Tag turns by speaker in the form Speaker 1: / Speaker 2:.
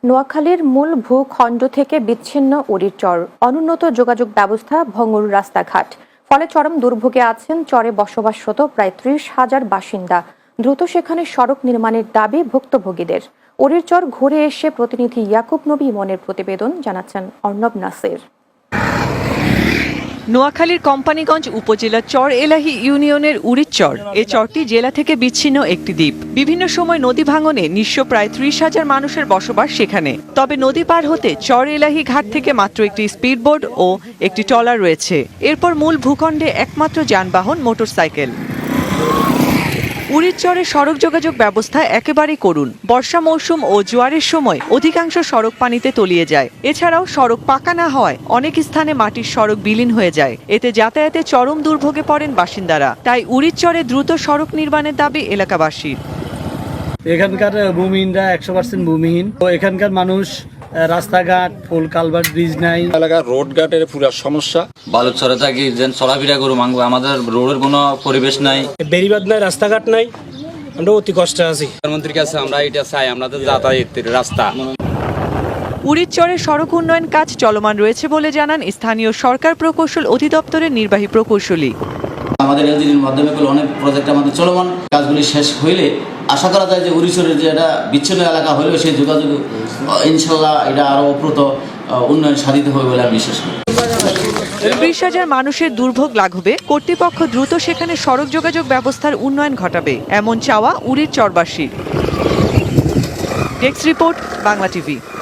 Speaker 1: নোয়াখালীর মূল ভূখণ্ড থেকে বিচ্ছিন্ন উড়ির চর, অনুন্নত যোগাযোগ ব্যবস্থা, ভঙ্গুর রাস্তাঘাট, ফলে চরম দুর্ভোগে আছেন চরে বসবাসরত প্রায় ৩০,০০০ বাসিন্দা। দ্রুত সেখানে সড়ক নির্মাণের দাবি ভুক্তভোগীদের। উড়ির চর ঘুরে এসে প্রতিনিধি ইয়াকুব নবী ইমনের প্রতিবেদন জানাচ্ছেন অর্ণব নাসির।
Speaker 2: নোয়াখালীর কোম্পানিগঞ্জ উপজেলার চর এলাহি ইউনিয়নের উড়ির চর। এ চরটি জেলা থেকে বিচ্ছিন্ন একটি দ্বীপ। বিভিন্ন সময় নদী ভাঙনে নিঃস্ব প্রায় ৩০,০০০ মানুষের বসবাস সেখানে। তবে নদী পার হতে চর এলাহি ঘাট থেকে মাত্র একটি স্পিডবোট ও একটি ট্রলার রয়েছে। এরপর মূল ভূখণ্ডে একমাত্র যানবাহন মোটরসাইকেল। উড়ির চরে সড়ক যোগাযোগ ব্যবস্থা একেবারেই করুণ। বর্ষা মৌসুম ও জোয়ারের সময় অধিকাংশ সড়ক পানিতে তলিয়ে যায়। এছাড়াও সড়ক পাকা না হওয়ায় অনেক স্থানে মাটির সড়ক বিলীন হয়ে যায়। এতে যাতায়াতে চরম দুর্ভোগে পড়েন বাসিন্দারা। তাই উড়ির চরে দ্রুত সড়ক নির্মাণের দাবি এলাকাবাসীর।
Speaker 3: এখানকার ভূমিহীনরা 100% ভূমিহীন। তো এখানকার মানুষ রাস্তাঘাট, ফুল কালভার্ট, ব্রিজ নাই।
Speaker 4: এলাকার রোড ঘাটের পুরো সমস্যা।
Speaker 5: বালুচরে থাকি যেন চলাফেরা করুম, আমাদের রোডের কোনো পরিবেশ নাই,
Speaker 6: বেরিবাদ নাই, রাস্তাঘাট নাই, আমরা অতি কষ্টে আছি।
Speaker 5: প্রধানমন্ত্রীর কাছে আমরা এটা চাই, আমাদের যাতায়াতের রাস্তা।
Speaker 2: উড়ির চরে সড়ক উন্নয়ন কাজ চলমান রয়েছে বলে জানান স্থানীয় সরকার প্রকৌশল অধিদপ্তরের নির্বাহী প্রকৌশলী।
Speaker 5: আমাদের এলজিডির মাধ্যমে অনেক প্রজেক্ট আমাদের চলমান, কাজগুলি শেষ হইলে আশা করা যায় যে উড়িষ্যার যে একটা বিচ্ছিন্ন এলাকা হলেও সেই যোগাযোগ ইনশাল্লাহ এটা আরো অপ্রত উন্নয়ন সাধিত হবে বলে আমি বিশ্বাস করি।
Speaker 2: ৩০,০০০ মানুষের দুর্ভোগ লাঘবে কর্তৃপক্ষ দ্রুত সেখানে সড়ক যোগাযোগ ব্যবস্থার উন্নয়ন ঘটাবে, এমন চাওয়া উড়ির চরবাসীর। Desk report, Bangla TV.